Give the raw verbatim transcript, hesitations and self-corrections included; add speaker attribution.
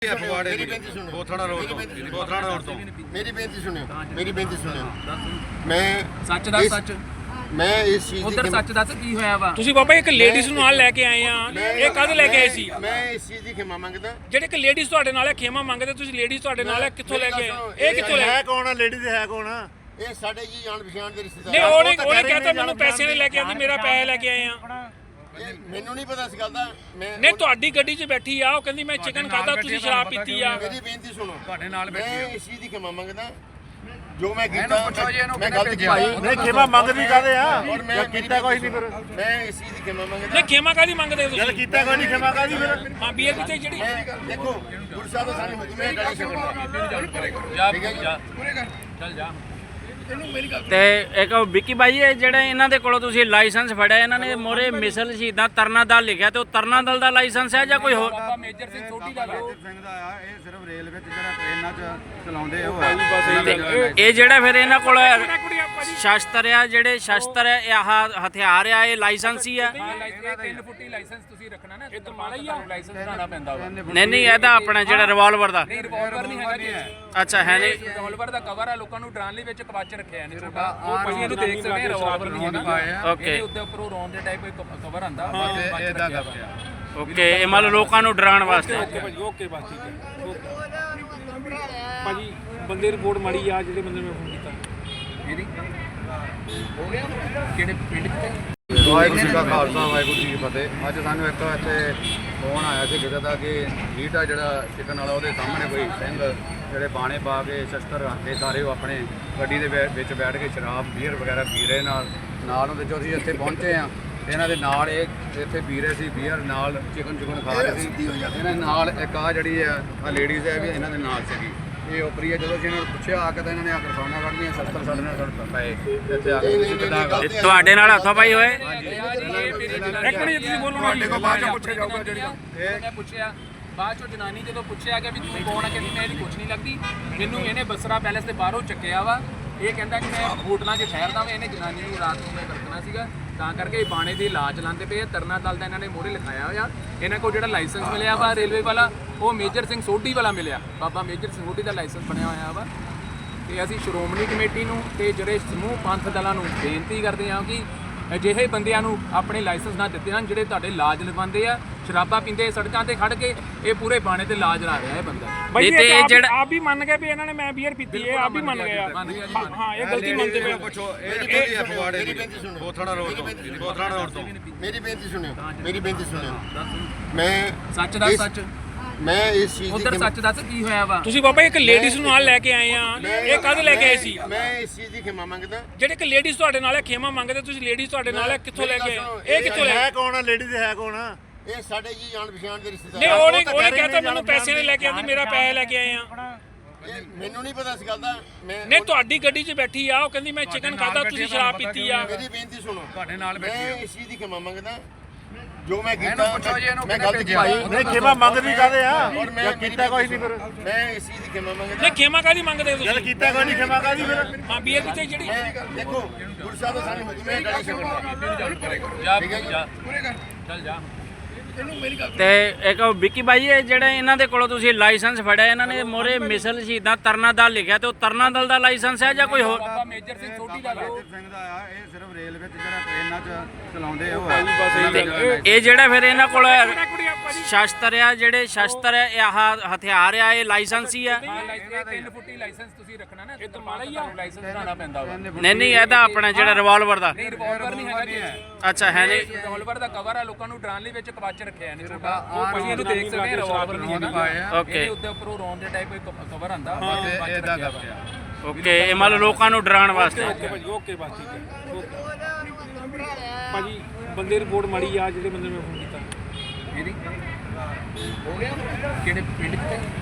Speaker 1: ਫਗਵਾੜੇ ਦੀ ਬੋਥੜਾ road ਤੋਂ ਬੋਥੜਾ road ਤੋਂ
Speaker 2: ਮੇਰੀ ਬੇਨਤੀ ਸੁਣਿਓ ਮੇਰੀ ਬੇਨਤੀ ਸੁਣਿਓ ਮੈਂ
Speaker 3: ਸੱਚ ਦਾ ਸੱਚ
Speaker 2: ਮੈਂ ਇਸ ਚੀਜ਼
Speaker 3: ਉਧਰ ਸੱਚ ਦੱਸ ਕੀ ਹੋਇਆ ਵਾ।
Speaker 4: ਤੁਸੀਂ ਬਾਬਾ ਇੱਕ ਲੇਡੀਜ਼ ਨੂੰ ਨਾਲ ਲੈ ਕੇ ਆਏ ਆ, ਇਹ ਕਦ ਲੈ ਕੇ ਆਏ ਸੀ?
Speaker 2: ਮੈਂ ਇਸ ਚੀਜ਼ ਦੀ ਖਿਮਾ ਮੰਗਦਾ।
Speaker 4: ਜਿਹੜੇ ਇੱਕ ਲੇਡੀਜ਼ ਤੁਹਾਡੇ ਨਾਲ ਹੈ ਖੇਮਾ ਮੰਗਦੇ, ਤੁਸੀਂ ਲੇਡੀਜ਼ ਤੁਹਾਡੇ ਨਾਲ ਹੈ, ਕਿੱਥੋਂ ਲੈ ਕੇ ਆਏ? ਇਹ ਕਿੱਥੋਂ ਲੈ
Speaker 1: ਹੈ ਕੌਣ ਆ? ਲੇਡੀਜ਼ ਹੈ ਕੌਣ ਆ?
Speaker 2: ਇਹ ਸਾਡੇ ਜੀ ਜਾਣ ਪਛਾਣ ਦੇ ਰਿਸ਼ਤੇਦਾਰ।
Speaker 4: ਨਹੀਂ ਉਹਨੇ ਉਹਨੇ ਕਹਤਾ ਮੈਨੂੰ ਪੈਸੇ ਨਹੀਂ ਲੈ ਕੇ ਆਂਦੀ, ਮੇਰਾ ਪੈਸੇ ਲੈ ਕੇ ਆਏ ਆ।
Speaker 2: ਮੈਨੂੰ ਨਹੀਂ ਪਤਾ ਇਸ ਗੱਲ ਦਾ। ਮੈਂ
Speaker 4: ਨਹੀਂ ਤੁਹਾਡੀ ਗੱਡੀ 'ਚ ਬੈਠੀ ਆ, ਉਹ ਕਹਿੰਦੀ ਮੈਂ ਚਿਕਨ ਖਾਦਾ, ਤੁਸੀਂ ਸ਼ਰਾਬ ਪੀਤੀ ਆ।
Speaker 2: ਮੇਰੀ ਬੇਨਤੀ ਸੁਣੋ,
Speaker 1: ਤੁਹਾਡੇ ਨਾਲ ਬੈਠੀ
Speaker 2: ਮੈਂ ਇਸ ਚੀਜ਼ ਦੀ ਖਿਮਾ ਮੰਗਦਾ ਜੋ ਮੈਂ ਕੀਤਾ।
Speaker 3: ਪੁੱਛੋ ਜੀ ਇਹਨੂੰ
Speaker 2: ਮੈਂ ਗਲਤ ਕੀਤਾ।
Speaker 1: ਨਹੀਂ ਖਿਮਾ ਮੰਗਦੀ ਕਾਦੇ ਆ?
Speaker 2: ਔਰ ਮੈਂ
Speaker 1: ਕੀਤਾ ਕੋਈ ਨਹੀਂ ਫਿਰ।
Speaker 2: ਮੈਂ ਇਸ ਚੀਜ਼ ਦੀ ਖਿਮਾ ਮੰਗਦਾ।
Speaker 4: ਨਹੀਂ ਖੇਮਾ ਕਾਦੀ ਮੰਗਦੇ
Speaker 1: ਜਦ
Speaker 4: ਤੁਸੀਂ?
Speaker 1: ਕੀਤਾ ਕੋਈ ਨਹੀਂ ਖਿਮਾ ਕਾਦੀ ਫਿਰ?
Speaker 4: ਹਾਂ ਬੀਅਰ ਕਿਤੇ ਜਿਹੜੀ
Speaker 2: ਮੈਂ ਦੇਖੋ ਗੁਰਸਾਹਿਬ ਦਾ ਸਾਨੂੰ ਹੁਕਮ ਹੈ ਗਾੜੀ ਛੱਡਣ
Speaker 3: ਜਾ
Speaker 2: ਠੀਕ ਹੈ
Speaker 3: ਜਾ ਚੱਲ ਜਾ।
Speaker 5: ਤੇ ਇੱਕ ਵਿੱਕੀ ਬਾਈ ਇਹ ਜਿਹੜੇ ਇਹਨਾਂ ਦੇ ਕੋਲੋਂ ਤੁਸੀਂ ਲਾਇਸੈਂਸ ਫੜਿਆ, ਇਹਨਾਂ ਨੇ ਮੋਰੇ ਮਿਸਲ ਸ਼ਹੀਦਾਂ ਤਰਨਾ ਦਲ ਲਿਖਿਆ, ਤੇ ਉਹ ਤਰਨਾ ਦਲ ਦਾ ਲਾਇਸੈਂਸ ਹੈ ਜਾਂ ਕੋਈ ਹੋਰ?
Speaker 3: ਬਾਬਾ ਮੇਜਰ ਸਿੰਘ ਸੋਢੀ ਦਾ ਵਾ।
Speaker 6: ਸਿੰਘ ਦਾ ਆ। ਇਹ ਸਿਰਫ ਰੇਲ ਵਿੱਚ ਜਿਹੜਾ ਟ੍ਰੇਨਾਂ 'ਚ ਚਲਾਉਂਦੇ ਉਹ ਆ।
Speaker 5: ਤੇ ਇਹ ਜਿਹੜਾ ਫਿਰ ਇਹਨਾਂ ਕੋਲ ਸ਼ਸਤਰ ਆ, ਜਿਹੜੇ ਸ਼ਸਤਰ ਆ, ਇਹ ਆਹ ਹਥਿਆਰ ਆ, ਇਹ ਲਾਇਸੈਂਸ ਹੀ ਆ?
Speaker 3: ਹਾਂ ਲਾਇਸੈਂਸ ਤਿੰਨ ਫੁੱਟੀ ਲਾਇਸੈਂਸ ਤੁਸੀਂ ਰੱਖਣਾ ਨਾ, ਇਹ ਮਾਲਾ ਹੀ ਆ ਲਾਇਸੈਂਸ ਬਣਾਉਣਾ ਪੈਂਦਾ ਵਾ।
Speaker 5: ਨਹੀਂ ਨਹੀਂ ਇਹਦਾ ਆਪਣਾ ਜਿਹੜਾ ਰਿਵਾਲਵਰ ਦਾ।
Speaker 3: ਨਹੀਂ ਰਿਵਾਲਵਰ ਨਹੀਂ ਹੈਗਾ ਜੀ।
Speaker 5: ਅੱਛਾ ਹੈ ਨਹੀਂ।
Speaker 3: ਰਿਵਾਲਵਰ ਦਾ ਕਵਰ ਆ, ਲੋਕਾਂ ਨੂੰ ਡਰਾਉਣ ਲਈ ਵਿੱਚ ਕਵਾਚ ਰੱਖਿਆ ਇਹਨੇ ਛੋਟਾ। ਉਹ ਭਾਜੀ ਇਹਨੂੰ ਦੇਖ ਸਕਦੇ ਆ, ਰਿਵਾਲਵਰ ਨਹੀਂ ਹੈਗਾ।
Speaker 5: ਓਕੇ
Speaker 3: ਇਹਦੇ ਉੱਤੇ ਉੱਪਰੋਂ ਰੌਂਡ ਦੇ ਟਾਈਪ ਇੱਕ ਕਵਰ ਆਂਦਾ।
Speaker 6: ਇਹਦਾ ਦੱਸਿਆ
Speaker 5: ਓਕੇ, ਇਹ ਮੰਨ ਲਓ ਲੋਕਾਂ ਨੂੰ ਡਰਾਉਣ ਵਾਸਤੇ।
Speaker 4: ਓਕੇ ਭਾਜੀ, ਓਕੇ ਬਸ ਠੀਕ ਹੈ। ਓਕੇ ਭਾਜੀ ਬੰਦੇ ਰਿਪੋਰਟ ਮਾੜੀ ਆ, ਜਿਹੜੇ ਬੰਦੇ ਨੇ ਫੋਨ ਕੀਤਾ
Speaker 3: ਇਹਦੀ ਹੋ ਗਿਆ ਕਿਹੜੇ ਪਿੰਡ ਚ?
Speaker 6: ਵਾਹਿਗੁਰੂ ਜੀ ਕਾ ਖਾਲਸਾ ਵਾਹਿਗੁਰੂ ਜੀ ਕੀ ਫਤਿਹ। ਅੱਜ ਸਾਨੂੰ ਇੱਕ ਇੱਥੇ ਫੋਨ ਆਇਆ ਸੀ ਕਿਸੇ ਦਾ ਕਿ ਲੀਟਾ ਜਿਹੜਾ ਚਿਕਨ ਵਾਲਾ, ਉਹਦੇ ਸਾਹਮਣੇ ਕੋਈ ਸਿੰਘ ਜਿਹੜੇ ਬਾਣੇ ਪਾ ਕੇ ਸ਼ਸਤਰ ਰੱਖ ਕੇ ਸਾਰੇ ਉਹ ਆਪਣੇ ਗੱਡੀ ਦੇ ਵਿ- ਵਿੱਚ ਬੈਠ ਕੇ ਸ਼ਰਾਬ ਬੀਅਰ ਵਗੈਰਾ ਪੀ ਰਹੇ ਨਾਲ ਨਾਲ ਉਹਦੇ ਜੋ ਅਸੀਂ ਇੱਥੇ ਪਹੁੰਚੇ ਆ, ਇਹਨਾਂ ਦੇ ਨਾਲ ਇਹ ਇੱਥੇ ਪੀ ਰਹੇ ਸੀ ਬੀਅਰ, ਨਾਲ ਚਿਕਨ ਚਿਕਨ ਖਾ ਰਹੇ ਸੀ। ਇਹਨਾਂ ਨਾਲ ਇੱਕ ਆ ਜਿਹੜੀ ਆ ਲੇਡੀਜ਼ ਹੈ ਵੀ ਇਹਨਾਂ ਦੇ ਨਾਲ ਸੀਗੀ। ਇਹ ਉਪਰੀ ਹੈ। ਜਦੋਂ ਅਸੀਂ ਇਹਨਾਂ ਨੂੰ ਪੁੱਛਿਆ ਆ ਕੇ ਤਾਂ ਇਹਨਾਂ ਨੇ ਆ ਕੇ ਫਾਨਾ ਕੱਢਦੀਆਂ, ਸ਼ਸਤਰ ਸਾਡੇ ਨਾਲ ਸਾਡੇ ਪਏ ਇੱਥੇ ਆ ਕੇ ਤੁਸੀਂ ਕਿੱਦਾਂ?
Speaker 5: ਇਹ ਤੁਹਾਡੇ ਨਾਲ ਹੱਥੋਂ ਪਾਈ ਹੋਏ?
Speaker 4: ਇੱਕ ਮਿੰਟ ਤੁਸੀਂ ਬੋਲੋ ਨਾ ਜੀ।
Speaker 3: ਬਾਅਦ ਚ ਪੁੱਛਿਆ ਜਾਊਗਾ ਜਿਹੜੀ ਮੈਂ ਪੁੱਛਿਆ ਬਾਅਦ ਚੋਂ ਜਨਾਨੀ ਜਦੋਂ ਪੁੱਛਿਆ ਕਿ ਵੀ ਤੁਸੀਂ ਕੌਣ ਆ, ਕਹਿੰਦੀ ਮੈਂ ਇਹਦੀ ਕੁਛ ਨਹੀਂ ਲੱਗਦੀ, ਮੈਨੂੰ ਇਹਨੇ ਬਸਰਾ ਪੈਲੇਸ ਦੇ ਬਾਹਰੋਂ ਚੱਕਿਆ ਵਾ। ਇਹ ਕਹਿੰਦਾ ਕਿ ਮੈਂ ਹੋਟਲਾਂ 'ਚ ਠਹਿਰਦਾ ਵਾਂ। ਇਹਨੇ ਜਨਾਨੀ ਨੂੰ ਰਾਤ ਨੂੰ ਮੈਂ ਵਰਤਣਾ ਸੀਗਾ, ਤਾਂ ਕਰਕੇ ਇਹ ਬਾਣੇ ਦੀ ਇਲਾਜ ਲਾਉਂਦੇ ਪਏ। ਤਰਨਾ ਦਲ ਦਾ ਇਹਨਾਂ ਨੇ ਮੋਹਰੇ ਲਿਖਾਇਆ ਹੋਇਆ। ਇਹਨਾਂ ਕੋਲ ਜਿਹੜਾ ਲਾਇਸੈਂਸ ਮਿਲਿਆ ਵਾ ਰੇਲਵੇ ਵਾਲਾ, ਉਹ ਮੇਜਰ ਸਿੰਘ ਸੋਢੀ ਵਾਲਾ ਮਿਲਿਆ। ਬਾਬਾ ਮੇਜਰ ਸਿੰਘ ਸੋਢੀ ਦਾ ਲਾਇਸੈਂਸ ਬਣਿਆ ਹੋਇਆ ਵਾ। ਤੇ ਅਸੀਂ ਸ਼੍ਰੋਮਣੀ ਕਮੇਟੀ ਨੂੰ ਤੇ ਜਿਹੜੇ ਸਮੂਹ ਪੰਥ ਦਲਾਂ ਨੂੰ ਬੇਨਤੀ ਕਰਦੇ ਹਾਂ ਕਿ ਅਜਿਹੇ ਬੰਦਿਆਂ ਨੂੰ ਆਪਣੇ ਲਾਇਸੈਂਸ ਨਾ ਦਿੱਤੇ ਹਨ, ਜਿਹੜੇ ਤੁਹਾਡੇ ਲਾਜ ਲਵਾਉਂਦੇ ਆ, ਸ਼ਰਾਬਾਂ ਪੀਂਦੇ ਸੜਕਾਂ ਤੇ ਖੜ ਕੇ। ਇਹ ਪੂਰੇ ਬਾਣੇ ਤੇ ਲਾਜ ਲਾ ਰਿਹਾ ਇਹ ਬੰਦਾ।
Speaker 4: ਭਾਈ
Speaker 5: ਇਹ ਤੇ
Speaker 4: ਇਹ
Speaker 5: ਜਿਹੜਾ-
Speaker 4: ਆਪ ਵੀ ਮੰਨ ਗਏ ਵੀ ਇਹਨਾਂ ਨੇ ਮੈਂ ਬੀਅਰ ਪੀਤੀ ਹੈ, ਆਪ ਵੀ ਮੰਨ ਗਏ ਆ। ਹਾਂ ਇਹ ਗਲਤੀ ਮੰਨਦੇ ਪਏ।
Speaker 1: ਪੁੱਛੋ ਇਹ ਕਿਹਦੀ ਹੈ ਫਗਵਾੜੇ ਦੀ ਬੋਥੜਾ ਰੋਡ ਤੋਂ ਬੋਥੜਾ ਰੋਡ ਤੋਂ
Speaker 2: ਮੇਰੀ ਬੇਨਤੀ ਸੁਣਿਓ ਮੇਰੀ ਬੇਨਤੀ ਸੁਣਿਓ ਮੈਂ
Speaker 3: ਸੱਚ ਦਾ ਸੱਚ
Speaker 2: ਮੈਂ ਇਸ ਚੀਜ਼
Speaker 3: ਉਧਰ
Speaker 2: ਦੀ
Speaker 3: ਸੱਚ ਦੱਸ ਕੀ ਹੋਇਆ ਵਾ।
Speaker 4: ਤੁਸੀਂ ਬਾਬਾ ਇੱਕ ਲੇਡੀਜ਼ ਨੂੰ ਨਾਲ ਲੈ ਕੇ ਆਏ ਆ, ਇਹ ਕਦ ਲੈ ਕੇ ਆਏ ਸੀ?
Speaker 2: ਮੈਂ ਇਸ ਚੀਜ਼ ਦੀ ਖਿਮਾ ਮੰਗਦਾ।
Speaker 4: ਜਿਹੜੇ ਇੱਕ ਲੇਡੀਜ਼ ਤੁਹਾਡੇ ਨਾਲ ਹੈ ਖੇਮਾ ਮੰਗਦੇ, ਤੁਸੀਂ ਲੇਡੀਜ਼ ਤੁਹਾਡੇ ਨਾਲ ਹੈ, ਕਿੱਥੋਂ ਲੈ ਕੇ ਆਏ? ਇਹ ਕਿੱਥੋਂ ਲੈ
Speaker 1: ਹੈ ਕੌਣ ਆ? ਲੇਡੀਜ਼ ਹੈ ਕੌਣ ਆ?
Speaker 2: ਇਹ ਸਾਡੇ ਜੀ ਜਾਣ ਪਛਾਣ ਦੇ ਰਿਸ਼ਤੇਦਾਰ।
Speaker 4: ਨਹੀਂ ਉਹਨੇ ਉਹਨੇ ਕਹਤਾ ਮੈਨੂੰ ਪੈਸੇ ਨਹੀਂ ਲੈ ਕੇ ਆਂਦੀ, ਮੇਰਾ ਪੈਸੇ ਲੈ ਕੇ ਆਏ ਆ।
Speaker 2: ਇਹ ਮੈਨੂੰ ਨਹੀਂ ਪਤਾ ਇਸ ਗੱਲ ਦਾ। ਮੈਂ
Speaker 4: ਨਹੀਂ ਤੁਹਾਡੀ ਗੱਡੀ 'ਚ ਬੈਠੀ ਆ, ਉਹ ਕਹਿੰਦੀ ਮੈਂ ਚਿਕਨ ਖਾਦਾ, ਤੁਸੀਂ ਸ਼ਰਾਬ ਪੀਤੀ ਆ।
Speaker 2: ਮੇਰੀ ਬੇਨਤੀ ਸੁਣੋ,
Speaker 1: ਤੁਹਾਡੇ ਨਾਲ ਬੈਠੀ
Speaker 2: ਮੈਂ ਇਸ ਚੀਜ਼ ਦੀ ਖਿਮਾ ਮੰਗਦਾ ਜੋ ਮੈਂ ਕੀਤਾ।
Speaker 3: ਪੁੱਛੋ ਜੀ ਇਹਨੂੰ
Speaker 2: ਮੈਂ ਗਲਤ ਕੀਤਾ।
Speaker 1: ਨਹੀਂ ਖਿਮਾ ਮੰਗਦੀ ਕਾਦੇ ਆ?
Speaker 2: ਔਰ ਮੈਂ
Speaker 1: ਜਦ ਕੀਤਾ ਕੋਈ ਨਹੀਂ ਫਿਰ।
Speaker 2: ਮੈਂ ਇਸ ਚੀਜ਼ ਦੀ ਖਿਮਾ ਮੰਗਦਾ।
Speaker 4: ਨਹੀਂ ਖੇਮਾ ਕਾਦੀ ਮੰਗਦੇ
Speaker 1: ਜਦ
Speaker 4: ਤੁਸੀਂ?
Speaker 1: ਕੀਤਾ ਕੋਈ ਨਹੀਂ ਖਿਮਾ ਕਾਦੀ ਫਿਰ?
Speaker 4: ਹਾਂ ਬੀਅਰ ਕਿਤੇ ਜਿਹੜੀ
Speaker 2: ਮੈਂ ਦੇਖੋ ਗੁਰਸਾਹਿਬ ਦਾ ਸਾਨੂੰ ਹੁਕਮ ਹੈ ਗਾੜੀ ਛੱਡਣ
Speaker 3: ਜਾ
Speaker 2: ਠੀਕ ਹੈ
Speaker 3: ਜਾ ਚੱਲ ਜਾ।
Speaker 5: ਤੇ ਇੱਕ ਵਿੱਕੀ ਬਾਈ ਇਹ ਜਿਹੜੇ ਇਹਨਾਂ ਦੇ ਕੋਲੋਂ ਤੁਸੀਂ ਲਾਇਸੈਂਸ ਫੜਿਆ, ਇਹਨਾਂ ਨੇ ਮੋਰੇ ਮਿਸਲ ਸ਼ਹੀਦਾਂ ਤਰਨਾ ਦਲ ਲਿਖਿਆ, ਤੇ ਉਹ ਤਰਨਾ ਦਲ ਦਾ ਲਾਇਸੈਂਸ ਹੈ ਜਾਂ ਕੋਈ ਹੋਰ?
Speaker 3: ਬਾਬਾ ਮੇਜਰ ਸਿੰਘ ਸੋਢੀ ਦਾ ਵਾ।
Speaker 6: ਸਿੰਘ ਦਾ ਆ। ਇਹ ਸਿਰਫ ਰੇਲ ਵਿੱਚ ਜਿਹੜਾ ਟ੍ਰੇਨਾਂ 'ਚ ਚਲਾਉਂਦੇ ਉਹ ਆ।
Speaker 5: ਤੇ ਇਹ ਜਿਹੜਾ ਫਿਰ ਇਹਨਾਂ ਕੋਲ ਸ਼ਸਤਰ ਆ, ਜਿਹੜੇ ਸ਼ਸਤਰ ਆ, ਇਹ ਆਹ ਹਥਿਆਰ ਆ, ਇਹ ਲਾਇਸੈਂਸ ਹੀ ਆ?
Speaker 3: ਹਾਂ ਲਾਇਸੈਂਸ ਤਿੰਨ ਫੁੱਟੀ ਲਾਇਸੈਂਸ ਤੁਸੀਂ ਰੱਖਣਾ ਨਾ, ਇਹ ਮਾਲਾ ਹੀ ਆ ਲਾਇਸੈਂਸ ਬਣਾਉਣਾ ਪੈਂਦਾ ਵਾ।
Speaker 5: ਨਹੀਂ ਨਹੀਂ ਇਹਦਾ ਆਪਣਾ ਜਿਹੜਾ ਰਿਵਾਲਵਰ ਦਾ।
Speaker 3: ਨਹੀਂ ਰਿਵਾਲਵਰ ਨਹੀਂ ਹੈਗਾ ਜੀ।
Speaker 5: ਅੱਛਾ ਹੈ ਨਹੀਂ।
Speaker 3: ਰਿਵਾਲਵਰ ਦਾ ਕਵਰ ਆ, ਲੋਕਾਂ ਨੂੰ ਡਰਾਉਣ ਲਈ ਵਿੱਚ ਕਵਾਚ ਰੱਖਿਆ ਇਹਨੇ ਛੋਟਾ। ਉਹ ਭਾਜੀ ਇਹਨੂੰ ਦੇਖ ਸਕਦੇ ਆ, ਰਿਵਾਲਵਰ ਨਹੀਂ ਹੈਗਾ।
Speaker 5: ਓਕੇ
Speaker 3: ਇਹਦੇ ਉੱਤੇ ਉੱਪਰੋਂ ਰੌਂਡ ਦੇ ਟਾਈਪ ਇੱਕ ਕਵਰ ਆਂਦਾ।
Speaker 6: ਇਹਦਾ ਦੱਸਿਆ
Speaker 5: ਓਕੇ, ਇਹ ਮੰਨ ਲਓ ਲੋਕਾਂ ਨੂੰ ਡਰਾਉਣ ਵਾਸਤੇ।
Speaker 4: ਓਕੇ ਭਾਜੀ, ਓਕੇ ਬਸ ਠੀਕ ਹੈ। ਓਕੇ ਭਾਜੀ ਬੰਦੇ ਰਿਪੋਰਟ ਮਾੜੀ ਆ, ਜਿਹੜੇ ਬੰਦੇ ਨੇ ਫੋਨ ਕੀਤਾ
Speaker 3: ਇਹਦੀ ਹੋ ਗਿਆ ਕਿਹੜੇ ਪਿੰਡ ਚ?